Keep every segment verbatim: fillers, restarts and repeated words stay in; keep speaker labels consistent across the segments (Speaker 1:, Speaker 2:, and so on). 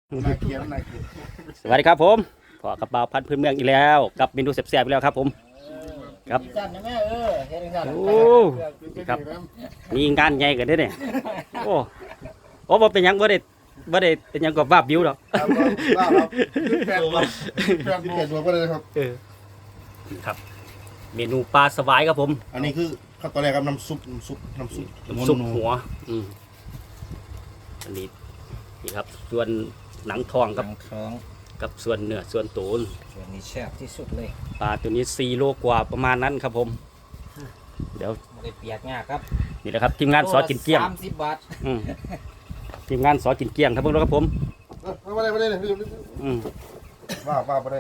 Speaker 1: นาเกียนนาเกียน
Speaker 2: สวัสดีครับผมขอกระเป๋าพันพื้นเมืองอีกแล้วกับเมนูแซ่บๆอีกแล้วครับผมครับ
Speaker 3: สั่นนะแม่เออเฮ็ดจังซั่น
Speaker 2: โอ้ครับมีงานใหญ่กันด้วยเนี่ยโอ้โอ้บ่เป็นหยังบ่ได้บ่ได้เป็นหยังกับว่าบิวดอก
Speaker 1: ครับครับแปดตัวแปดตัวก็เลยครับ
Speaker 2: เออครับ เมนูปลาสวายครับผม
Speaker 1: อันนี้คือขั้นตอนแรกครับน้ำซุปน้ำซุปน้ำซุป
Speaker 2: ซุปหัวอืมอันนี้นี่ครับส่วนหนังทอง
Speaker 3: กั
Speaker 2: กั
Speaker 3: บบ ท้อง
Speaker 2: กับส่วนเนื้อส่วนตูน
Speaker 3: ส่วนนี้แซ่บที่สุดเลย
Speaker 2: ปลาตัวนี้สี่โลกว่าประมาณนั้นครับผม เดี๋ยว
Speaker 3: บ่ได้เปียกยากครับ
Speaker 2: นี่แหละครับทีมงานสอกินเกลี้ยง
Speaker 3: สามสิบบาท
Speaker 2: อืมทีมงานสอกินเกลี้ยงครับพวกเราครับผม
Speaker 1: ไม่ได้ไม่ได้เลย
Speaker 2: อืม
Speaker 1: ว่าว่าไม่ได้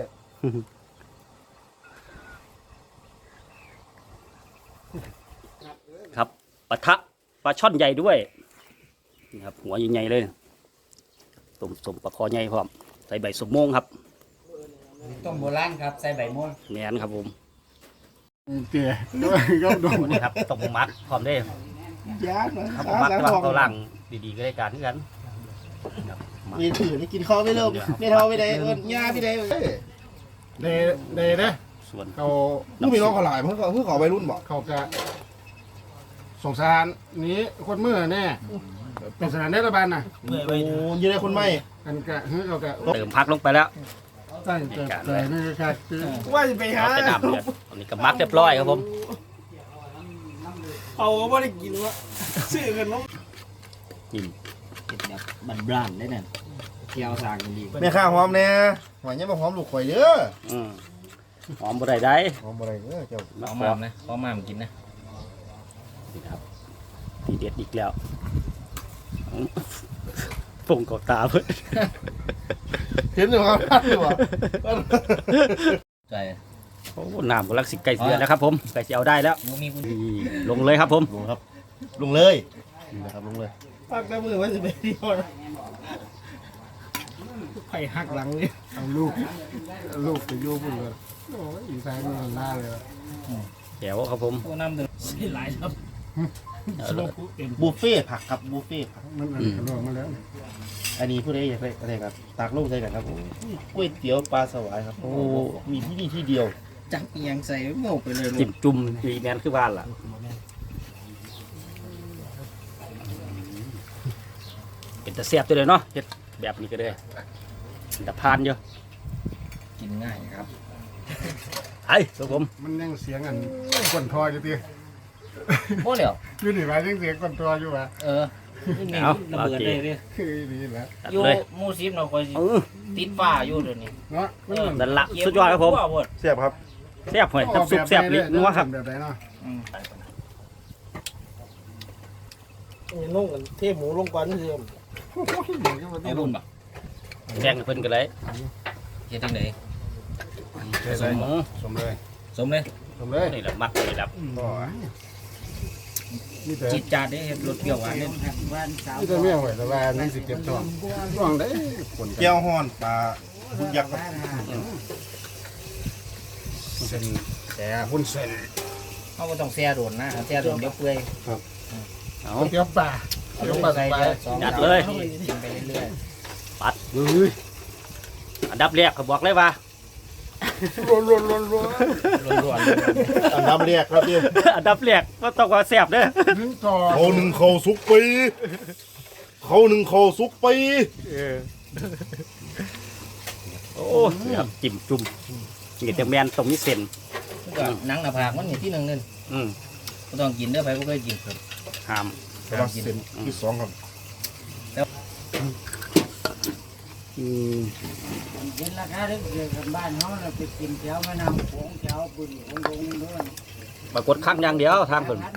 Speaker 2: ครับปะทะปลาช่อนใหญ่ด้วยนี่ครับหัวใหญ่ๆเลยต้มต้มปลาคอใหญ่พร้อมใส่ใบสมโมงครับ
Speaker 3: ต้มโบราณครับใส่ใบม่วง
Speaker 2: แมนครับผม
Speaker 1: เตี๋ยด้วยก็ดม
Speaker 2: นี่ครับต้มมัดพร้อมได้
Speaker 1: ยาด
Speaker 2: ครับมัดกำลังตัวล่างดีๆก็ได้การที่กันครับมัด
Speaker 1: มีถือไม่กินข้าวไม่เลิกไม่เท่าไม่ได้เอิญยาไม่ได้เดเดเด้
Speaker 2: ส่วน
Speaker 1: เขาผู้มีน้องเขาหลายเพื่อเพื่อขอวัยรุ่นบอกเขาจะสงสารนี้คนเมื่อแน่เป็นสถานรัฐบาลนะโอ้ยได้คนไม่กันกะเฮ้ยเขากะ
Speaker 2: เติมพักลงไปแล้ว
Speaker 1: ใช่แต่แต่นี่แค่ว่าจะไปหา
Speaker 2: เอาแต่น้ำเดือดอันนี้ก็มักเรียบร้อยครับผม
Speaker 1: เอาไม่ได้กินวะซื้อกันน้อง
Speaker 2: กิน
Speaker 3: เฮ็ดแบบบานๆได้นั่นเกี่ยวสร้างกันดี
Speaker 1: แม่ข้าหอมเนี่ยหวานเนี่ยมาหอมลูกข่อยเยอะ
Speaker 2: อืมหอมบ่ได้ได้
Speaker 1: หอมอะไรเยอะเจ้า
Speaker 3: เอามามนะเอามามกินนะ
Speaker 2: นี่ครับทีเด็ดอีกแล้วปงกับตาเพื่อน
Speaker 1: เห็นหรือเปล่าหรือเปล่า
Speaker 3: ใส่
Speaker 2: โอ้น้ำกำลังสิไก่เสือแล้วครับผมไก่จะเอาได้แล้ว
Speaker 3: บ่มีคุณ
Speaker 2: นี่ลงเลยครับผม
Speaker 1: ลุงครับลุงเลยนี่นะครับลุงเลยปักได้มือไว้จะไปที่ห้องไผ่หักหลังเลยเอาลูกลูกไปโยบุญเลยโอ้ยอีสานมันน่าเลย
Speaker 2: แก้วครับผม
Speaker 3: โอ้น้ำเดือดใส่หลายครับ
Speaker 2: เอาเลย
Speaker 1: บุฟเฟ่ผักครับบุฟเฟ่ผัก
Speaker 4: มันอันกระโดดมาแล้ว
Speaker 1: อันนี้ผู้ใดอยากได้อะไรครับตากลูกใส่กันครับโอ้ยก๋วยเตี๋ยวปลาสวายครับโอ้มีที่นี่ที่เดียว
Speaker 3: จับอีหยังใส่โม่ไปเลยลู
Speaker 2: จิ้
Speaker 3: ก
Speaker 2: มจุ่มดีแมนคือบ้านล่ะเป็นตะเสียบตัวเลยเนาะเฮ็ดแบบนี้ก็ได้แต่พานเยอะ
Speaker 3: กินง่ายครับ
Speaker 2: ไอ้ครับผม
Speaker 4: มันยังเสียงอันก้นทอยอยู่ตี
Speaker 3: บ่แล้ว
Speaker 4: อยู่นี่ว่ายังเสียงก้นทอยอยู่ว่ะ
Speaker 3: เออนี่ระเบิดเลยเด้อ
Speaker 4: คือนี่แหละ
Speaker 2: ตัด
Speaker 3: อยู่
Speaker 2: เลย
Speaker 3: หมู่สิบเนาะคอยสิ
Speaker 2: เออ
Speaker 3: ติดฟ้าอยู่เดี๋ยวนี้
Speaker 4: เนาะมันเหมือน
Speaker 2: นั่นละสุดยอดครับผม
Speaker 1: เสียบครับ
Speaker 2: แซ่บหอยน้ำซุปแซ่บลิ้นนัวครับ
Speaker 4: แบบไหนเนาะ
Speaker 3: อืม
Speaker 5: นุ่งกันเทหมูลงก่อนนี่คือ
Speaker 3: เอารุ่นบ่
Speaker 2: แบ่งให้เพิ่นกันเลย
Speaker 3: เฮ็ดจังได๋
Speaker 2: สมหมู
Speaker 4: สมเลย
Speaker 3: สมเลย
Speaker 4: สมเลย
Speaker 2: นี่แหละมักเลยครับ
Speaker 4: นี่แต่
Speaker 3: จิตจาดเด้เฮ็ดรสเปรี้ยวหวานเด้
Speaker 4: นี่แต่เมี่ยงไว้แต่ว่านี่สิเก็บท้องท้องได้คน
Speaker 1: แก้วฮ้อนปลาบุญยักษ์ครับ
Speaker 4: เส้นแต่หุ้นเส้น
Speaker 3: เฮาบ่ต้องแช่โดนนะแช่โดนเดี๋ยวเปื่อย
Speaker 2: เอา
Speaker 4: เตี๋ยวปลาเตี๋ยวปลา
Speaker 3: ใส่
Speaker 4: สบาย
Speaker 3: เดี๋ยวสอง
Speaker 2: จัดเลย
Speaker 3: กินไปเรื่อย
Speaker 2: ปัด
Speaker 4: เฮ้ย
Speaker 2: อันดับแรกเขาบอกเลยว่า
Speaker 4: รัวรัวรัวรัว
Speaker 3: ๆล้วน
Speaker 1: อันน้ำเรียกครับพี่
Speaker 2: อันดับแรกก็ต้องว่าแซ่บเด้อ
Speaker 4: ถึงต่อ
Speaker 1: เขาหนึ่งเขาสุกปีเขาหนึ่งเขาสุกปี
Speaker 2: โอ้ครับจิ้มจุ่มนี่แต่แมนตรงนี้เส้น
Speaker 3: ๆก็หนังหน้าผากมันนี่ที่หนึงนึง
Speaker 2: อืม
Speaker 3: บ่ต้องกินเด้อไปบ่เคยกินครับ
Speaker 2: ห้าม
Speaker 1: แต่ว่าเส้นที่สองครับ
Speaker 2: อืม
Speaker 5: เห็นราคาเด็กเกิดกันบ้านเขาเราไปกินแถวแม่น้ำโขงแถวบึงโขงโขงด้วย
Speaker 2: ปรากฏครั้งอย่างเดียวทางเพิ่น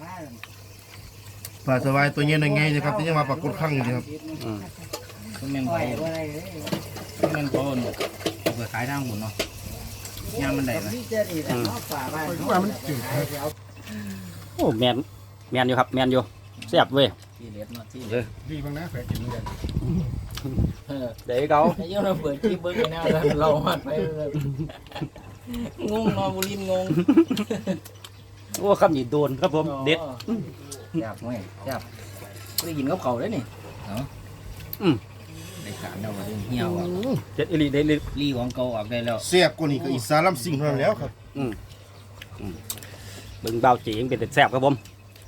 Speaker 1: ปลาสวายตัวเงี้ยยังไงนะครับที่จะมาปรากฏข้างอยู่ครับ
Speaker 2: อืม
Speaker 3: มันแม่น
Speaker 5: ปล่
Speaker 3: เขา
Speaker 5: อยอะไรเลย
Speaker 3: มันแม่นเขาเอาไปขายทางบุญเนาะยามมันได้ไหม
Speaker 5: พี่เจดีแต่เขาฝ่าบ้านเขา
Speaker 4: ว่ามันจืด
Speaker 2: โอ้แมนแมนอยู่ครับแมนอยู่แซ่บเว้ย
Speaker 3: ที่เล็ดเนาะที่
Speaker 2: เออ
Speaker 4: ดีบ้างนะแผลกินเหมือนกัน
Speaker 3: เออ
Speaker 2: เดี๋ยวเขา
Speaker 3: ไอ้เจ้าเราเปิดที่เบิ้งแนวแล้วเราหัดไปเลยงงนอนบุรินงง
Speaker 2: โอ้คำนี้โดนครับผมเด็ด
Speaker 3: จับไหมจับไม่ได้กินกับเขาเลยนี่เนาะ
Speaker 2: อืม
Speaker 3: ไหนได้การแล้วว่าเหี่ยวอ่ะ
Speaker 2: เจ็ดอิลีได้เลย
Speaker 3: รีของเก่าออกได้แล้ว
Speaker 1: เสียบกว่านี้ก็อีสานลำสิงเท่านั้นแล้วครับ
Speaker 2: อืมอืมเบิ่งเบาจีงเป็นแต่แซ่บครับผม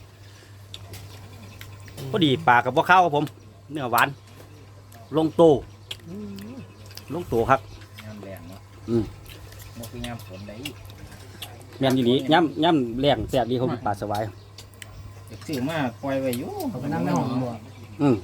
Speaker 2: พอดีปลากับบ่ข้าวครับผมเนื้อหวานลงโตลงโตครับ
Speaker 3: ยามแรงเนาะ
Speaker 2: อืม
Speaker 3: บ่คือยามฝนได้
Speaker 2: แม่นอยู่นี้ย่ำย่ำแรงแซ่บดีเขาปลาสวาย
Speaker 3: ซื้อมาปล่อยไว้อยู่
Speaker 5: เอาไปนั่งในห้องบ่
Speaker 2: อืม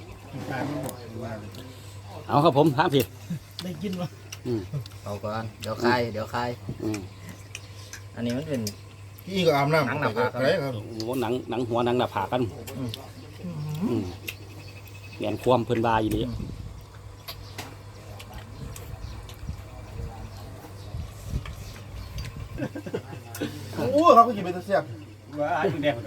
Speaker 2: เอาครับผมห้ามผิด
Speaker 5: ได้กินบ่
Speaker 2: อืม
Speaker 3: เอาก่อนเดี๋ยวคายเดี๋ยวคาย
Speaker 2: อืม
Speaker 3: อันนี้มันเป็น
Speaker 1: พี่ก็อาบน้ำ
Speaker 3: หนังหน้าผาก
Speaker 1: อะไรครับ
Speaker 2: โอ้โหหนังหนังหัวหนังหน้าผากกันอืมแม่นความเพิ่นบาอยู่ดี
Speaker 1: โอ้เขาก็กินเป็นเสียบ
Speaker 2: ว้าอยู่แดง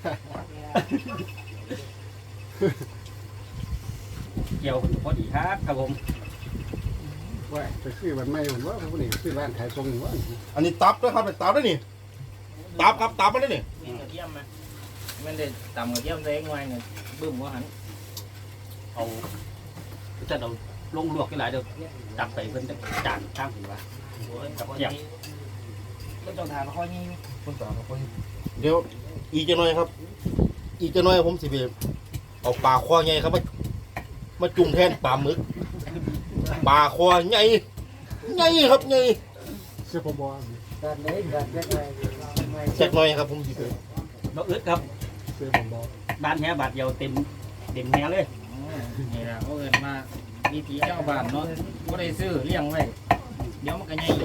Speaker 2: เกี่ยวคนพอดีครับครับผม
Speaker 4: ว่าไปซื้อวันใหม่ผมว่าพวกนี้ซื้อร้านขายทรงนี่ว่า
Speaker 1: อันนี้ตับนะครับเป็นตับได้นี่ตับครับตับมันได้นี่
Speaker 3: มีกระเทียมไหมมันได้ตำกระเทียมใส่หน่อยเนี่ยบึ้มว่าหัน
Speaker 2: เอาจะเอาลงลวกกันหลายเดี๋ยวตักไปเพิ่นจะจานข้างหัวกับเกี่ยว
Speaker 3: ก็ต้องทานข้อนี้
Speaker 1: คนตาคนเดี๋ยวอีกจะหน่อยครับ อีกจะหน่อยผมสิไปเอาปลาคอใหญ่ครับมามาจุ่มแทนปลาหมึกปลาคอใหญ่ใหญ่ครับใหญ่
Speaker 4: เสื้อปอบอ
Speaker 5: การได้การแยกไปไม่
Speaker 1: แจ็คหน่อยครับผมสิไป
Speaker 2: บ่อึดครับ
Speaker 4: เสื้อปอบอ
Speaker 2: บ้านแฮบาทเดียวเต็มเต็มแฮเลย
Speaker 3: นี่แหละเขาเอินมาวิถีเจ้าบ้านเนาะก็ได้ซื้อเลี้ยงไว้เดี๋ยวมันก็ใหญ่เอง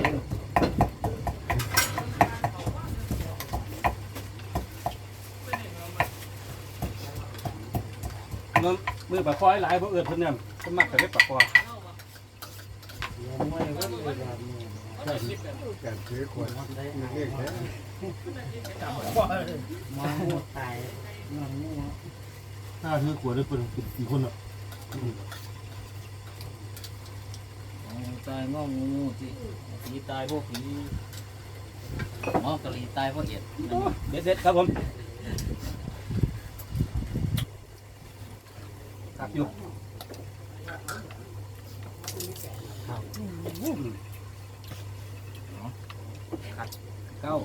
Speaker 2: มือมือปลาคอยหลายบ่เอื้อเพิ่นเนี่ยก็มักแต่เล็กปลาคอ
Speaker 5: ไม่ก็เลยแบบนี้
Speaker 4: การซื้อขวดได้เรียกแค่
Speaker 5: มาหมดตายนอนนี่นะ
Speaker 1: ถ้าถือขวดได้เป็นกี่คนอ่ะ
Speaker 3: ตายงองูสิผีตายพวกผีหมอกะลีตายพวกเอ็ด
Speaker 2: เด็ดเด็ดครับผมครับอยู่
Speaker 3: เก้า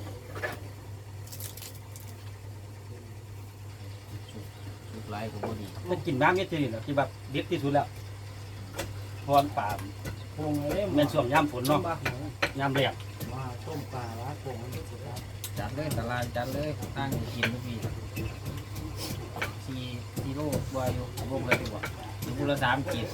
Speaker 3: สุดไล่ก็พอดี
Speaker 2: มันกินน้ำเยอะจริงๆที่แบบเด็ดที่สุดแล้วพรป่า
Speaker 5: พงเลย
Speaker 2: แม่นช่วงยามฝนเนาะยามแรง
Speaker 5: มาต้มปลาละพงนี่สุดครับ
Speaker 3: จัดเลยตลาดจัดเลยตั้งกินทุกปีสี่สี่โลวาอยู่วงเลยดีกว่าอยู่บุละสามกีด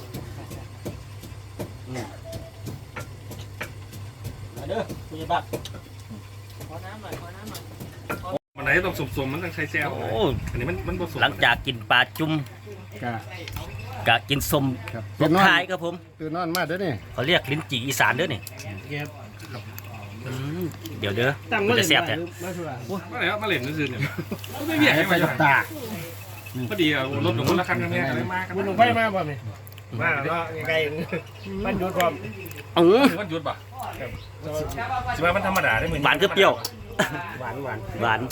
Speaker 2: มาเด้อผู้ใหญ่บ้าน
Speaker 3: ขอน้ำหน่อยขอน้ำหน่อย
Speaker 6: มันไหนต้องสมๆมันต้องใช้แซว
Speaker 2: โอ้
Speaker 6: อันนี้มันมันผสม
Speaker 2: หลังจากกินปลาจุ่ม
Speaker 4: กะ
Speaker 2: กะกินสม
Speaker 4: ครับ
Speaker 2: ลงท้ายครับผม
Speaker 4: ตื่นนอนมาเด้อนี่
Speaker 2: เขาเรียกลิ้นจี่อีสานเด้อนี่อืมเดี๋ยวเด้อมันจะแซ่บแท้
Speaker 6: มาแล้วมาเล่นนั่นคือเนี่ยก็ไม่เบียดให้มาอยู่
Speaker 4: ตา
Speaker 6: พอดีอ่ะรถของคนละคันกันเนี่ยอะไรมากัน
Speaker 5: มันลงไปมาบ่เนี่ยมาแล้วไกลมันดูความ
Speaker 2: อือ
Speaker 6: มันหยุดป่ะใช่ไหมมันธรรมดาได้เหมือน
Speaker 2: หวานคือเปรี้ยว
Speaker 5: หวานหวาน
Speaker 2: หวาน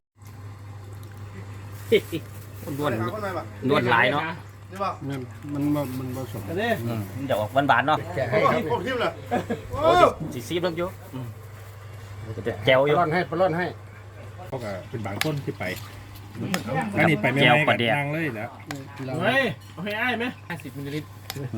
Speaker 2: นวล
Speaker 1: คนไหนบ้าง
Speaker 2: นวลหลายเนาะ
Speaker 1: นี่ป่ะ
Speaker 4: มันมันบ่มันผสม
Speaker 5: อันนี้
Speaker 2: อืมเดี๋ยวออกหวานๆเนาะ
Speaker 4: แกะ
Speaker 1: โอ้
Speaker 4: ให้
Speaker 1: ย
Speaker 4: ครับ
Speaker 1: ผมทิมเลย
Speaker 2: โอ้ยสีซีบแล้วอยู่อืมจะเป็นแก้ว
Speaker 4: ป
Speaker 2: อยู่
Speaker 4: ล้อนให้ปล้อนให้
Speaker 6: เขาก็เป็นบางคนที่ไปอันนี้ไปไม่
Speaker 2: แก้ว
Speaker 6: ไม่
Speaker 2: ป
Speaker 6: กั
Speaker 2: ลา
Speaker 6: บ
Speaker 2: แดก
Speaker 6: นางเลยแล้ว
Speaker 5: เฮ้ยเอาให้อ้ายไหม
Speaker 3: ห้าสิบมิลลิลิตร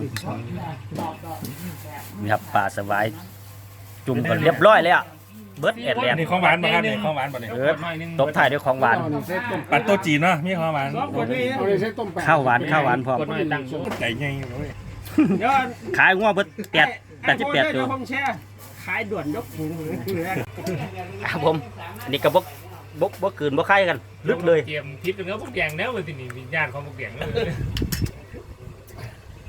Speaker 2: นี่ครับปลาสวายจุ่มกันเรียบร้อยเลยอ่ะเบิร์ดแอดแลน
Speaker 6: อัน
Speaker 2: ด์
Speaker 6: นี้ของหวานป่ะครับนี่ของหวานป่ะเนี่ย
Speaker 2: เออตบท้ายด้วยของหวาน
Speaker 4: เอานี่ใส่ต้ม
Speaker 6: ปัดโตจีนเนาะมีของหวาน
Speaker 5: สองคนนี้
Speaker 4: เอานี่ใส่ต้มแปะ
Speaker 2: ข้าวหวานข้าวหวานพร้อม
Speaker 5: คนนี้ตั้งสูง
Speaker 6: ใจไงเว้ย
Speaker 5: เดี๋ยว
Speaker 2: ขายงัวเบิร์ดแปดแปดสิบแปดตัว
Speaker 5: ห้องแช่ขายด่วนยกถุง
Speaker 2: ครับผมอันนี้ก็บกบกบกคืนบกไข่กันลึกเลย
Speaker 6: เตรียมทิปเนื้อพวกแดงแล้วเลยทีนี้วิญญาณของพวกแดงเลย